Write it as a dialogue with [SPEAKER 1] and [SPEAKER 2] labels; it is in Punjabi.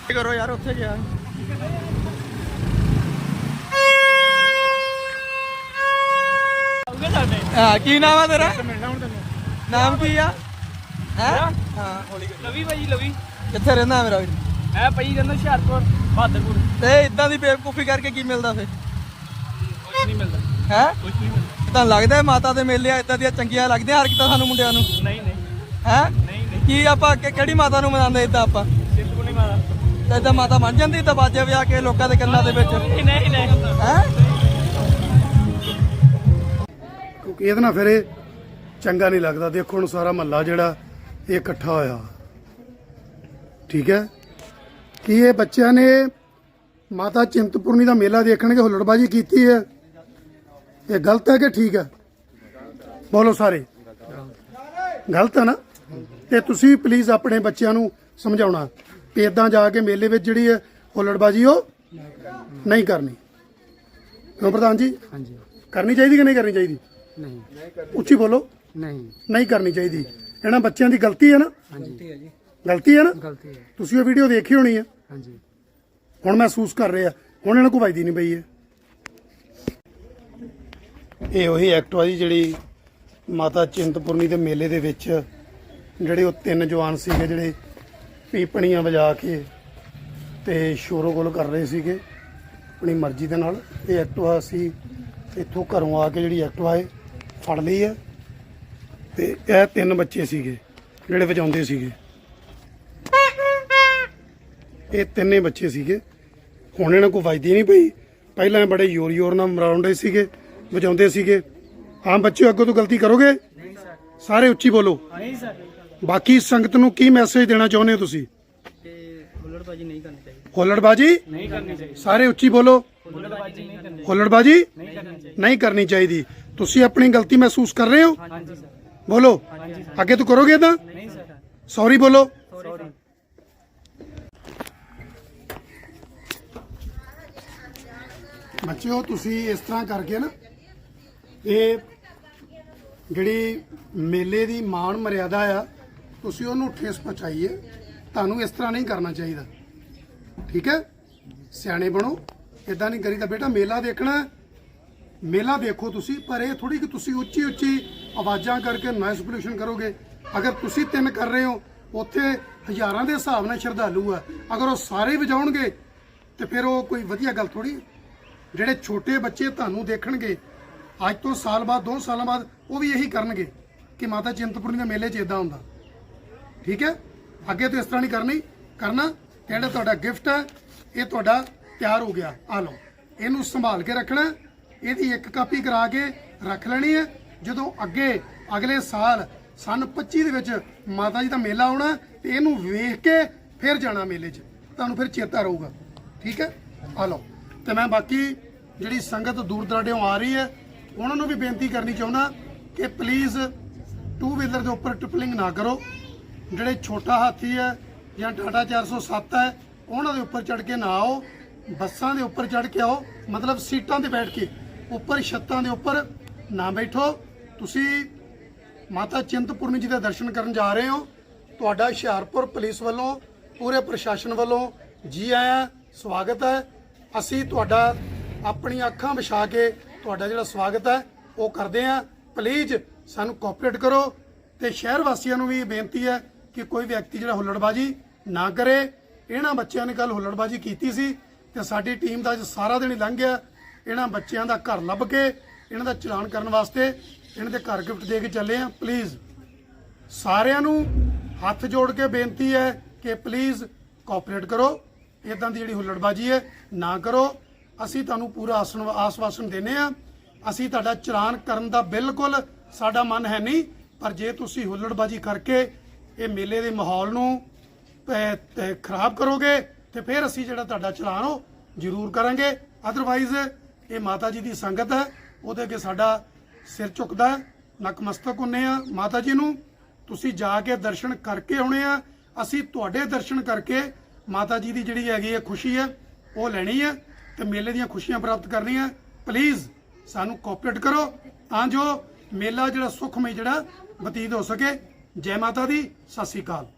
[SPEAKER 1] करो यार उत्थे गया की नाम है तेरा नाम की है
[SPEAKER 2] लवी भाई लवी
[SPEAKER 1] कित्थे रहंदा मेरा वीर
[SPEAKER 2] मैं भाई रहंदा हुशियारपुर बहादरपुर
[SPEAKER 1] ते इदां दी बेवकूफी करके की मिलदा फिर
[SPEAKER 2] कुछ नहीं मिलता
[SPEAKER 1] है
[SPEAKER 2] कुछ नहीं मिलता
[SPEAKER 1] ਤੁਹਾਨੂੰ ਲੱਗਦਾ ਮਾਤਾ ਦੇ ਮੇਲੇ ਇਦਾਂ ਦੀਆਂ ਚੰਗੀਆਂ ਲੱਗਦੀਆਂ ਹਰਕਤਾਂ ਸਾਨੂੰ ਮੁੰਡਿਆਂ ਨੂੰ
[SPEAKER 2] नहीं नहीं
[SPEAKER 1] ਹੈ
[SPEAKER 2] नहीं नहीं
[SPEAKER 1] ਕੀ ਆਪਾਂ ਕਿਹੜੀ ਮਾਤਾ ਨੂੰ ਮਨਾਉਂਦੇ ਇਦਾਂ ਆਪਾਂ
[SPEAKER 2] चिंतपूर्णी माता
[SPEAKER 1] ਤੇ ਇਦਾਂ ਮਾਤਾ ਬਣ ਜਾਂਦੀ ਤਾਂ ਬਾਜੇ ਵਿਆਹ ਕੇ ਲੋਕਾਂ ਦੇ ਕੰਨਾਂ ਦੇ ਵਿੱਚ
[SPEAKER 2] नहीं नहीं नहीं
[SPEAKER 1] ਹੈ
[SPEAKER 3] ਕਿਉਂਕਿ ਇਹਦੇ ਨਾਲ ਫਿਰ ਇਹ ਚੰਗਾ ਨਹੀਂ ਲੱਗਦਾ। ਦੇਖੋ ਹੁਣ ਸਾਰਾ ਮਹੱਲਾ ਜਿਹੜਾ ਇਹ ਇਕੱਠਾ ਹੋਇਆ, ਠੀਕ ਹੈ। ਕੀ ਇਹ ਬੱਚਿਆਂ ਨੇ ਮਾਤਾ ਚਿੰਤਪੁਰਨੀ ਦਾ ਮੇਲਾ ਦੇਖਣਗੇ ਹੁੱਲੜਬਾਜੀ ਕੀਤੀ ਹੈ? ਇਹ ਗਲਤ ਹੈ ਕਿ ਠੀਕ ਹੈ? ਬੋਲੋ ਸਾਰੇ। ਗਲਤ ਹੈ ਨਾ? ਤੇ ਤੁਸੀਂ ਪਲੀਜ਼ ਆਪਣੇ ਬੱਚਿਆਂ ਨੂੰ ਸਮਝਾਉਣਾ ਕਿ ਇਦਾਂ ਜਾ ਕੇ ਮੇਲੇ ਵਿੱਚ ਜਿਹੜੀ ਹੈ ਹੁੱਲੜਬਾਜੀ ਉਹ ਨਹੀਂ ਕਰਨੀ। ਕਿਉਂ ਪ੍ਰਧਾਨ ਜੀ?
[SPEAKER 4] ਹਾਂਜੀ
[SPEAKER 3] ਕਰਨੀ ਚਾਹੀਦੀ ਕਿ ਨਹੀਂ ਕਰਨੀ ਚਾਹੀਦੀ?
[SPEAKER 4] ਨਹੀਂ
[SPEAKER 3] ਉੱਚੀ ਬੋਲੋ।
[SPEAKER 4] ਨਹੀਂ
[SPEAKER 3] ਨਹੀਂ ਕਰਨੀ ਚਾਹੀਦੀ। ਇਹਨਾਂ ਬੱਚਿਆਂ ਦੀ ਗਲਤੀ ਹੈ ਨਾ?
[SPEAKER 4] ਹਾਂਜੀ
[SPEAKER 3] ਗਲਤੀ ਹੈ ਨਾ?
[SPEAKER 4] ਗਲਤੀ ਹੈ
[SPEAKER 3] ਤੁਸੀਂ ਉਹ ਵੀਡੀਓ ਦੇਖੀ ਹੋਣੀ ਹੈ,
[SPEAKER 4] ਹਾਂਜੀ
[SPEAKER 3] ਹੁਣ ਮਹਿਸੂਸ ਕਰ ਰਹੇ ਆ। ਹੁਣ ਇਹਨਾਂ ਕੋਲ ਵੱਜਦੀ ਨਹੀਂ ਪਈ ਹੈ। ਇਹ ਉਹੀ ਐਕਟਿਵਾ ਜੀ ਜਿਹੜੀ ਮਾਤਾ ਚਿੰਤਪੁਰਨੀ ਦੇ ਮੇਲੇ ਦੇ ਵਿੱਚ ਜਿਹੜੇ ਉਹ ਤਿੰਨ ਜਵਾਨ ਸੀਗੇ ਜਿਹੜੇ ਪੀਪਣੀਆਂ ਵਜਾ ਕੇ ਤੇ ਸ਼ੋਰੋ ਗੋਲ ਕਰ ਰਹੇ ਸੀਗੇ ਆਪਣੀ ਮਰਜ਼ੀ ਦੇ ਨਾਲ। ਇਹ ਐਕਟਿਵਾ ਅਸੀਂ ਇੱਥੋਂ ਘਰੋਂ ਆ ਕੇ ਜਿਹੜੀ ਐਕਟਿਵਾ ਹੈ ਫੜ ਲਈ ਹੈ ਤੇ ਇਹ ਤਿੰਨ ਬੱਚੇ ਸੀਗੇ ਜਿਹੜੇ ਵਜਾਉਂਦੇ ਸੀਗੇ। ਇਹ ਤਿੰਨੇ ਬੱਚੇ ਸੀਗੇ। ਹੁਣ ਇਹਨਾਂ ਕੋਲ ਵੱਜਦੀ ਨਹੀਂ ਪਈ। ਪਹਿਲਾਂ ਇਹ ਬੜੇ ਜ਼ੋਰ ਨਾਲ ਮਰਾਉਂਦੇ ਸੀਗੇ, ਵਜਾਉਂਦੇ ਸੀਗੇ। ਹਾਂ ਬੱਚਿਓ, ਅੱਗੋਂ ਤੋਂ ਗਲਤੀ ਕਰੋਗੇ? ਸਾਰੇ ਉੱਚੀ ਬੋਲੋ।
[SPEAKER 2] नहीं सर
[SPEAKER 3] ਬਾਕੀ ਸੰਗਤ ਨੂੰ ਕੀ ਮੈਸੇਜ ਦੇਣਾ ਚਾਹੁੰਦੇ ਹੋ ਤੁਸੀਂ?
[SPEAKER 2] हुल्लड़बाजी नहीं करनी चाहिए
[SPEAKER 3] ਹੁੱਲੜਬਾਜੀ
[SPEAKER 2] नहीं करनी चाहिए
[SPEAKER 3] ਸਾਰੇ ਉੱਚੀ ਬੋਲੋ।
[SPEAKER 2] हुल्लड़बाजी नहीं करनी
[SPEAKER 3] ਹੁੱਲੜਬਾਜੀ
[SPEAKER 2] नहीं करनी चाहिए
[SPEAKER 3] ਨਹੀਂ ਕਰਨੀ ਚਾਹੀਦੀ। ਤੁਸੀਂ ਆਪਣੀ ਗਲਤੀ ਮਹਿਸੂਸ ਕਰ ਰਹੇ ਹੋ?
[SPEAKER 2] हाँ जी सर
[SPEAKER 3] ਬੋਲੋ।
[SPEAKER 2] हाँ जी सर
[SPEAKER 3] ਅੱਗੇ ਤੋਂ ਕਰੋਗੇ ਤਾਂ?
[SPEAKER 2] नहीं सर
[SPEAKER 3] ਸੌਰੀ ਬੋਲੋ।
[SPEAKER 2] सॉरी
[SPEAKER 3] ਬੱਚਿਓ ਤੁਸੀਂ ਇਸ ਤਰ੍ਹਾਂ ਕਰਕੇ ਨਾ ਇਹ ਜਿਹੜੀ ਮੇਲੇ ਦੀ ਮਾਣ ਮਰਿਆਦਾ ਆ ਤੁਸੀਂ ਉਹਨੂੰ ਠੇਸ ਪਹੁੰਚਾਈਏ। ਤੁਹਾਨੂੰ ਇਸ ਤਰ੍ਹਾਂ ਨਹੀਂ ਕਰਨਾ ਚਾਹੀਦਾ, ਠੀਕ ਹੈ? ਸਿਆਣੇ ਬਣੋ, ਇਦਾਂ ਨਹੀਂ ਕਰੀਦਾ। ਬੇਟਾ ਮੇਲਾ ਦੇਖਣਾ, ਮੇਲਾ ਦੇਖੋ ਤੁਸੀਂ, ਪਰ ਇਹ ਥੋੜੀ ਕਿ ਤੁਸੀਂ ਉੱਚੀ ਉੱਚੀ ਆਵਾਜ਼ਾਂ ਕਰਕੇ ਨੋਇਸ ਪੋਲਿਊਸ਼ਨ ਕਰੋਗੇ। ਅਗਰ ਤੁਸੀਂ ਤਿੰਨ ਕਰ ਰਹੇ ਹੋ, ਉੱਥੇ ਹਜ਼ਾਰਾਂ ਦੇ ਹਿਸਾਬ ਨਾਲ ਸ਼ਰਧਾਲੂ ਆ, ਅਗਰ ਉਹ ਸਾਰੇ ਵਜਾਉਣਗੇ ਤੇ ਫਿਰ ਉਹ ਕੋਈ ਵਧੀਆ ਗੱਲ ਥੋੜੀ। ਜਿਹੜੇ ਛੋਟੇ ਬੱਚੇ ਤੁਹਾਨੂੰ ਦੇਖਣਗੇ ਅੱਜ ਤੋਂ ਸਾਲ ਬਾਅਦ 2 ਸਾਲਾਂ ਬਾਅਦ ਉਹ ਵੀ ਇਹੀ ਕਰਨਗੇ ਕਿ ਮਾਤਾ ਚਿੰਤਪੁਰਨੀ ਦੇ ਮੇਲੇ 'ਚ ਇਦਾਂ ਹੁੰਦਾ, ਠੀਕ ਹੈ? ਅੱਗੇ ਤੋਂ ਇਸ ਤਰ੍ਹਾਂ ਨਹੀਂ ਕਰਨਾ। ਜਿਹੜਾ ਤੁਹਾਡਾ ਗਿਫਟ ਹੈ ਇਹ ਤੁਹਾਡਾ ਤਿਆਰ ਹੋ ਗਿਆ, ਆ ਲਓ। ਇਹਨੂੰ ਸੰਭਾਲ ਕੇ ਰੱਖਣਾ। ਇਹਦੀ ਇੱਕ ਕਾਪੀ ਕਰਾ ਕੇ ਰੱਖ ਲੈਣੀ ਹੈ। ਜਦੋਂ ਅੱਗੇ ਅਗਲੇ ਸਾਲ ਸਨ 25 ਦੇ ਵਿੱਚ ਮਾਤਾ ਜੀ ਦਾ ਮੇਲਾ ਆਉਣਾ ਤੇ ਇਹਨੂੰ ਵੇਖ ਕੇ ਫਿਰ ਜਾਣਾ ਮੇਲੇ 'ਚ, ਤੁਹਾਨੂੰ ਫਿਰ ਚੇਤਾ ਰਹੂਗਾ, ਠੀਕ ਹੈ? ਆ ਲਓ। ਤੇ ਮੈਂ ਬਾਕੀ ਜਿਹੜੀ ਸੰਗਤ ਦੂਰ ਦਰਾਡਿਓਂ ਆ ਰਹੀ ਹੈ ਉਹਨਾਂ ਨੂੰ ਵੀ ਬੇਨਤੀ ਕਰਨੀ ਚਾਹੁੰਦਾ ਕਿ ਪਲੀਜ਼ 2 ਵੀਲਰ ਦੇ ਉੱਪਰ ਟ੍ਰਿਪਲਿੰਗ ਨਾ ਕਰੋ। ਜਿਹੜੇ ਛੋਟਾ ਹਾਥੀ ਹੈ ਜਾਂ ਟਾਟਾ 407 ਹੈ ਉਹਨਾਂ ਦੇ ਉੱਪਰ ਚੜ੍ਹ ਕੇ ਨਾ ਆਓ। ਬੱਸਾਂ ਦੇ ਉੱਪਰ ਚੜ੍ਹ ਕੇ ਆਓ, ਮਤਲਬ ਸੀਟਾਂ ਤੇ ਬੈਠ ਕੇ, ਉੱਪਰ ਛੱਤਾਂ ਦੇ ਉੱਪਰ ਨਾ ਬੈਠੋ। ਤੁਸੀਂ ਮਾਤਾ ਚਿੰਤਪੁਰਨੀ ਜੀ ਦੇ ਦਰਸ਼ਨ ਕਰਨ ਜਾ ਰਹੇ ਹੋ। ਤੁਹਾਡਾ ਹੁਸ਼ਿਆਰਪੁਰ ਪੁਲਿਸ ਵੱਲੋਂ, ਪੂਰੇ ਪ੍ਰਸ਼ਾਸਨ ਵੱਲੋਂ ਜੀ ਆਇਆਂ, ਸਵਾਗਤ ਹੈ। ਅਸੀਂ ਤੁਹਾਡਾ ਆਪਣੀਆਂ ਅੱਖਾਂ ਵਿਛਾ ਕੇ ਤੁਹਾਡਾ ਜਿਹੜਾ ਸਵਾਗਤ ਹੈ ਉਹ ਕਰਦੇ ਹਾਂ। ਪਲੀਜ਼ ਸਾਨੂੰ ਕੋਆਪਰੇਟ ਕਰੋ। ਤੇ ਸ਼ਹਿਰ ਵਾਸੀਆਂ ਨੂੰ ਵੀ ਬੇਨਤੀ ਹੈ ਕਿ ਕੋਈ ਵਿਅਕਤੀ ਜਿਹੜਾ ਹੁੱਲੜਬਾਜੀ ਨਾ ਕਰੇ। ਇਹਨਾਂ ਬੱਚਿਆਂ ਨੇ ਕੱਲ ਹੁੱਲੜਬਾਜੀ ਕੀਤੀ ਸੀ ਤੇ ਸਾਡੀ ਟੀਮ ਦਾ ਅੱਜ ਸਾਰਾ ਦਿਨ ਹੀ ਲੰਘ ਗਿਆ। ਇਹਨਾਂ ਬੱਚਿਆਂ ਦਾ ਘਰ ਲੱਭ ਕੇ ਇਹਨਾਂ ਦਾ ਚਲਾਨ ਕਰਨ ਵਾਸਤੇ ਇਹਨਾਂ ਦੇ ਘਰ ਗਿਫਟ ਦੇ ਕੇ ਚੱਲੇ ਆ। ਪਲੀਜ਼ ਸਾਰਿਆਂ ਨੂੰ ਹੱਥ ਜੋੜ ਕੇ ਬੇਨਤੀ ਹੈ ਕਿ ਪਲੀਜ਼ ਕੋਆਪਰੇਟ ਕਰੋ। ਇਦਾਂ ਦੀ ਜਿਹੜੀ ਹੁੱਲੜਬਾਜੀ ਹੈ ਨਾ ਕਰੋ। ਅਸੀਂ ਤੁਹਾਨੂੰ ਪੂਰਾ ਆਸਵਾਸਨ ਦਿੰਦੇ ਆ। ਅਸੀਂ ਤੁਹਾਡਾ ਚਲਾਨ ਕਰਨ ਦਾ ਬਿਲਕੁਲ ਸਾਡਾ ਮਨ ਹੈ ਨਹੀਂ, ਪਰ ਜੇ ਤੁਸੀਂ ਹੁੱਲੜਬਾਜੀ ਕਰਕੇ ਇਹ ਮੇਲੇ ਦੇ ਮਾਹੌਲ ਨੂੰ ਖਰਾਬ ਕਰੋਗੇ ਤੇ ਫਿਰ ਅਸੀਂ ਜਿਹੜਾ ਤੁਹਾਡਾ ਚਲਾਨ ਉਹ ਜ਼ਰੂਰ ਕਰਾਂਗੇ। ਅਦਰਵਾਈਜ਼ ਇਹ ਮਾਤਾ ਜੀ ਦੀ ਸੰਗਤ ਹੈ, ਉਹਦੇ ਅੱਗੇ ਸਾਡਾ ਸਿਰ ਝੁਕਦਾ, ਨਕਮਸਤਕ ਹੁੰਨੇ ਆ ਮਾਤਾ ਜੀ ਨੂੰ। ਤੁਸੀਂ ਜਾ ਕੇ ਦਰਸ਼ਨ ਕਰਕੇ ਆਉਣੇ ਆ। ਅਸੀਂ ਤੁਹਾਡੇ ਦਰਸ਼ਨ ਕਰਕੇ ਮਾਤਾ ਜੀ ਦੀ ਜਿਹੜੀ ਹੈਗੀ ਹੈ ਖੁਸ਼ੀ ਹੈ ਉਹ ਲੈਣੀ ਹੈ ਤੇ ਮੇਲੇ ਦੀਆਂ ਖੁਸ਼ੀਆਂ ਪ੍ਰਾਪਤ ਕਰਨੀਆਂ। ਪਲੀਜ਼ ਸਾਨੂੰ ਕੋਆਪਰੇਟ ਕਰੋ ਤਾਂ ਜੋ ਮੇਲਾ ਜਿਹੜਾ ਸੁਖਮਈ ਜਿਹੜਾ ਬਤੀਤ ਹੋ ਸਕੇ। ਜੈ ਮਾਤਾ ਦੀ, ਸਤਿ ਸ੍ਰੀ ਅਕਾਲ।